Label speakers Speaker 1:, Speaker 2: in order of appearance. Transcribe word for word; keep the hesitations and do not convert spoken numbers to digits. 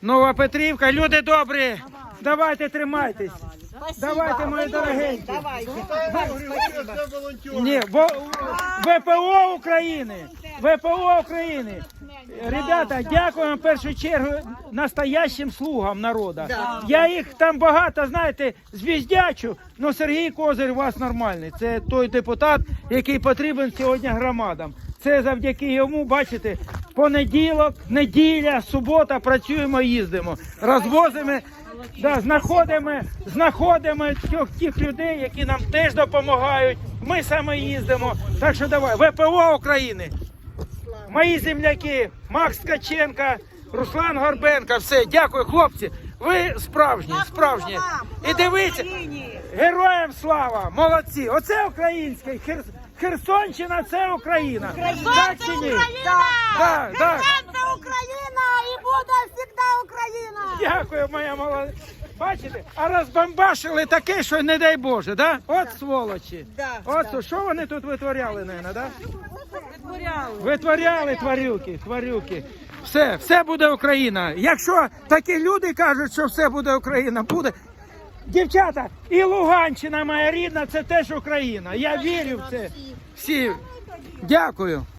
Speaker 1: Нова Петрівка, люди добрі, давайте тримайтесь. Давайте, мої дорогенькі. Ні, бо ВПО України, ВПО України. Ребята, дякуємо в першу чергу настоящим слугам народу. Я їх там багато, знаєте, звіздячу, але Сергій Козир у вас нормальний. Це той депутат, який потрібен сьогодні громадам. Це завдяки йому, бачите, понеділок, неділя, субота працюємо, їздимо, розвозимо, да, знаходимо, знаходимо тих, тих людей, які нам теж допомагають. Ми саме їздимо. Так що давай, ВПО України. Мої земляки, Макс Ткаченко, Руслан Горбенко, все, дякую, хлопці, ви справжні, справжні. І дивіться, героям слава, молодці, оце українське, Хер... Херсонщина це Україна. Так чи ні? Так, так.
Speaker 2: Це Україна і буде завжди Україна.
Speaker 1: Дякую, моя молодець. Бачите, а розбамбашили таке, що не дай Боже, да? От сволочі. От що вони тут витворяли, наверное, да?
Speaker 2: Витворяли.
Speaker 1: Витворяли тварюки, тварюки. Все, все буде Україна. Якщо такі люди кажуть, що все буде Україна, буде. Дівчата, і Луганщина моя рідна, це теж Україна. Я вірю в це. Всі. Дякую.